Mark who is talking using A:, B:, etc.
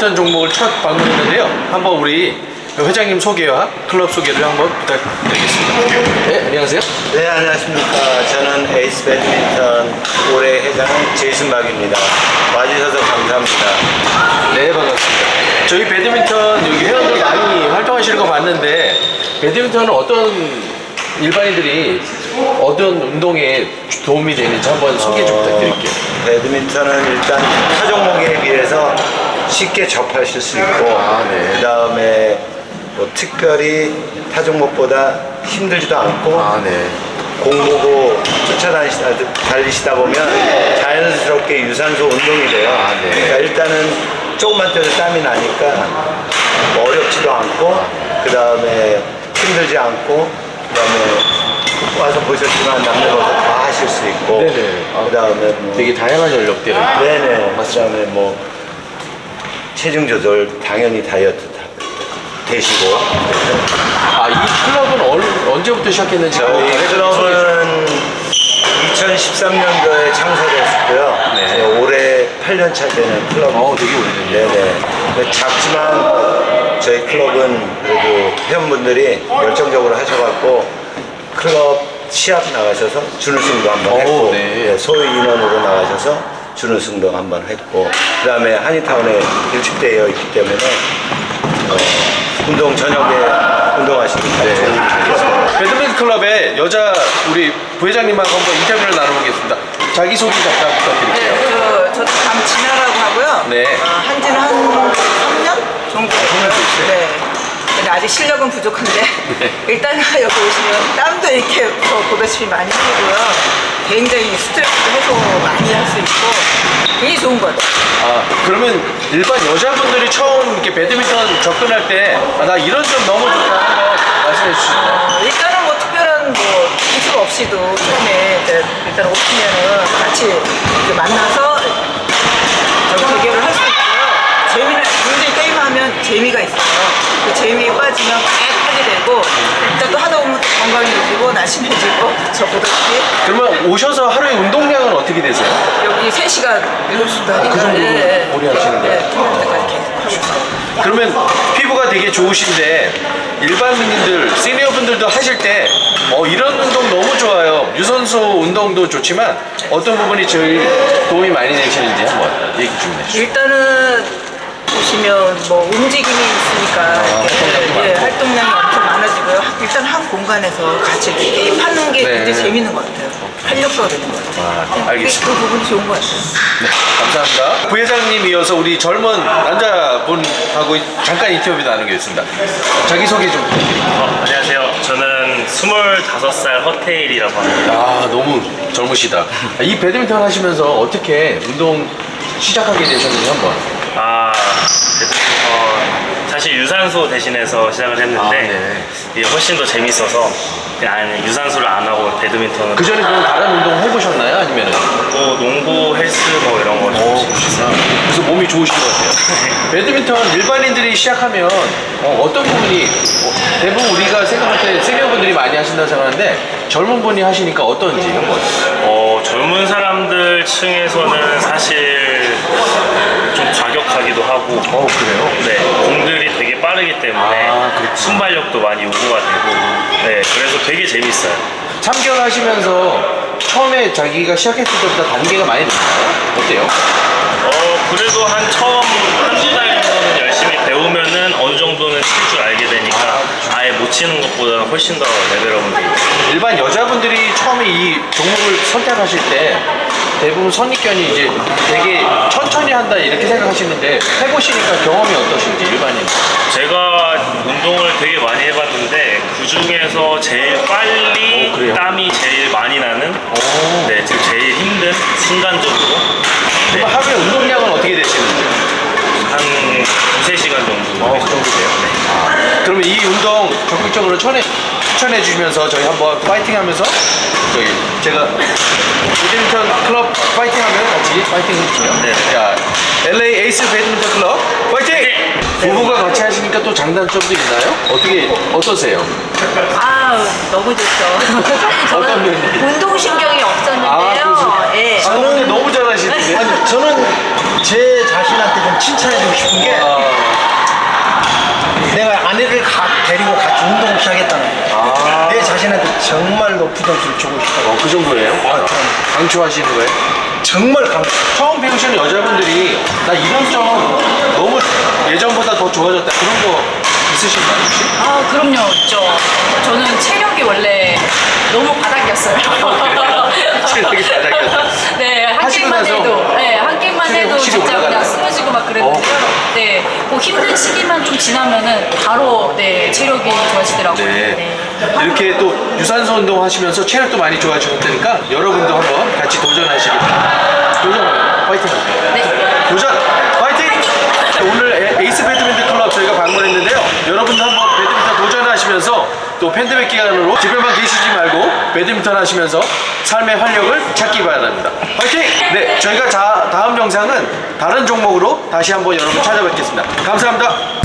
A: 배드민턴 종목을 첫 방문했는데요. 한번 우리 회장님 소개와 클럽 소개를 한번 부탁드리겠습니다. 네, 안녕하세요.
B: 네, 안녕하십니까. 저는 에이스 배드민턴 올해 회장 제이슨박입니다. 와주셔서 감사합니다.
A: 네, 반갑습니다. 저희 배드민턴 여기 회원들 많이 활동하시는 거 봤는데 배드민턴은 어떤 일반인들이 어떤 운동에 도움이 되는지 한번 소개 좀 부탁드릴게요.
B: 배드민턴은 일단 타 종목에 비해서 쉽게 접하실 수 있고
A: 네.
B: 그 다음에 뭐 특별히 타 종목보다 힘들지도 않고
A: 네.
B: 공 보고 달리시다 보면 자연스럽게 유산소 운동이 돼요.
A: 네.
B: 그러니까 일단은 조금만 뛰어도 땀이 나니까 뭐 어렵지도 않고 그 다음에 힘들지 않고 그 다음에 와서 보셨지만 남녀노소 다 하실 수 있고
A: 네네.
B: 그 다음에 뭐
A: 되게 다양한 연령대를.
B: 네네 그 다음에 뭐 체중 조절 당연히 다이어트 되시고
A: 이 클럽은 언제부터 시작했는지
B: 저희 클럽은 2013년도에 창설했고요.
A: 네.
B: 올해 8년차 되는 클럽.
A: 되게 오래됐네요.
B: 네네. 작지만 저희 클럽은 그래도 회원분들이 열정적으로 하셔갖고 클럽 시합 나가셔서 준우승도 한번 했고
A: 네.
B: 소위 인원으로 나가셔서 준우승도 한번 했고 그 다음에 한인타운에 일축되어 있기 때문에 운동 저녁에 운동하시니까
A: 네.
B: 좋은 좋겠습니다.
A: 배드민턴 클럽의 여자 우리 부회장님하고 한번 인터뷰를 나눠보겠습니다. 자기소개 잠깐 부탁드릴게요.
C: 네, 저도 강진아라고 하고요.
A: 네.
C: 한지는 한 3년 정도 됐고요.
A: 됐어요?
C: 네. 근데 아직 실력은 부족한데
A: 네.
C: 일단 여기 오시면 땀도 이렇게 보다시피 많이 흘리고요. 굉장히 스트레스도 해소 많이 할 수 있고 굉장히 좋은 것 같아요.
A: 그러면 일반 여자분들이 처음 이렇게 배드민턴 접근할 때 나 이런 점 너무 좋다 한번 말씀해 주시죠.
C: 일단은 뭐 특별한 뭐 기술 없이도 처음에 이제 일단 오시면은 같이 이렇게 만나서 대결을 할 수 있고요. 굉장히 게임하면 재미가 있어요. 그 재미에 빠지면 계속 하게 되고 일단 또 하다 보면 또 건강해지고 날씬해지고 저 보다시피
A: 그러면 오셔서 하루에 운동량은 어떻게 되세요?
C: 여기 3시간 7시도 하니까
A: 그 정도로 오래 하시는 거예요?
C: 끝날 때까지 계속 하고 있어요.
A: 그러면 피부가 되게 좋으신데 일반인들, 시니어분들도 하실 때 이런 운동 너무 좋아요. 유산소 운동도 좋지만 어떤 부분이 제일 도움이 많이 되시는지 한번 얘기 좀 해주세요.
C: 일단은 보시면 뭐 움직임이 있으니까 활동량이 엄청 많아지고요. 일단 한 공간에서 같이 이렇게 게임하는 게
A: 네.
C: 굉장히 재밌는 것 같아요. 활력소가 되는 것 같아요.
A: 알겠습니다.
C: 그 부분이 좋은 것 같아요.
A: 네, 감사합니다. 부회장님 이어서 우리 젊은 남자분하고 잠깐 인터뷰 나누겠습니다. 자기소개 좀 부탁드릴게요.
D: 안녕하세요. 저는 25살 허태일이라고 합니다.
A: 너무 젊으시다. 이 배드민턴 하시면서 어떻게 운동 시작하게 되셨는지 한번.
D: 배드민턴 사실 유산소 대신해서 시작을 했는데 이게 훨씬 더 재밌어서 그냥 유산소를 안 하고 배드민턴을
A: 그 전에 그럼 다른 운동 해보셨나요? 아니면은?
D: 뭐 농구, 헬스 뭐 이런 거
A: 그래서 몸이 좋으신 것 같아요. 배드민턴 일반인들이 시작하면 어떤 부분이 대부분 우리가 생각할 때 시니어분들이 많이 하신다고 생각하는데 젊은 분이 하시니까 어떤지 한번.
D: 젊은 사람들 층에서는 사실 좀 과격하기도 하고
A: 그래요?
D: 네, 공들이 되게 빠르기 때문에
A: 그렇구나.
D: 순발력도 많이 요구가 되고 네, 그래서 되게 재밌어요.
A: 참견하시면서 처음에 자기가 시작했을 때보다 단계가 많이 늘었나요? 어때요?
D: 그래도 처음 한두 달 정도는 열심히 배우면은 어느 정도는 칠 줄 알게 되니까 아예 못 치는 것보다는 훨씬 더 레벨업은 되고.
A: 일반 여자분들이 처음에 이 종목을 선택하실 때 대부분 선입견이 이제 되게 천천히 한다 이렇게 생각하시는데 해보시니까 경험이 어떠신지 일반인.
D: 제가 운동을 되게 많이 해봤는데 그 중에서 제일 빨리
A: 그래요?
D: 땀이 제일 많이 나는 네, 지금 제일 힘든 순간적으로
A: 그럼 하루에 운동량은 어떻게 되시는지?
D: 한 2~3시간 정도.
A: 그 정도 돼요? 그러면 이 운동 적극적으로 추천해 주시면서 저희 한번 파이팅 하면서 제가 배드민턴 클럽 파이팅 하면 같이 파이팅 해주세요.
D: 네.
A: 자, LA 에이스 배드민턴 클럽 파이팅! 부부가 같이 하시니까 또 장단점도 있나요? 어떠세요?
E: 너무 좋죠.
A: 어떤 면이?
E: 운동신경이 없었는데요.
A: 그러시구나.
E: 예.
A: 근데 너무 잘하시는데.
B: 아니 저는
F: 제 자신한테 좀 칭찬해주고 싶은 게 내가 아내를 데리고 같이 운동을 시작했다는 거예요. 내 자신한테 정말 높은 점수를 주고 싶다고.
A: 그 정도예요? 강추하시는 거예요?
F: 정말 강조.
A: 처음 배우시는 여자분들이 나 이런 점 너무 예전보다 더 좋아졌다 그런 거 있으신가요 혹시?
E: 아, 그럼요. 있죠. 저는 체력이 원래 너무 바닥이었어요.
A: 체력이 바닥이었어요?
E: 네, 한
A: 하시고
E: 게임만
A: 나서
E: 해도, 네, 한 게임만
A: 체력이
E: 해도
A: 확실히
E: 진짜 그냥
A: 올라가나요?
E: 쓰러지고 막 그랬는데요. 네, 그 힘든 시기만 좀 지나면은 바로 네, 체력이 좋아지더라고요.
A: 네. 이렇게 또 유산소 운동 하시면서 체력도 많이 좋아지셨다니까 여러분도 한번 같이 도전하시길 바랍니다. 도전 파이팅!
E: 네.
A: 도전 파이팅! 오늘 에이스 배드민턴 클럽 저희가 방문했는데요. 여러분도 한번 배드민턴 도전하시면서 또 팬데믹 기간으로 집에만 계시지 말고 배드민턴 하시면서 삶의 활력을 찾기 바랍니다. 파이팅! 네, 저희가 다음 영상은 다른 종목으로 다시 한번 여러분 찾아뵙겠습니다. 감사합니다.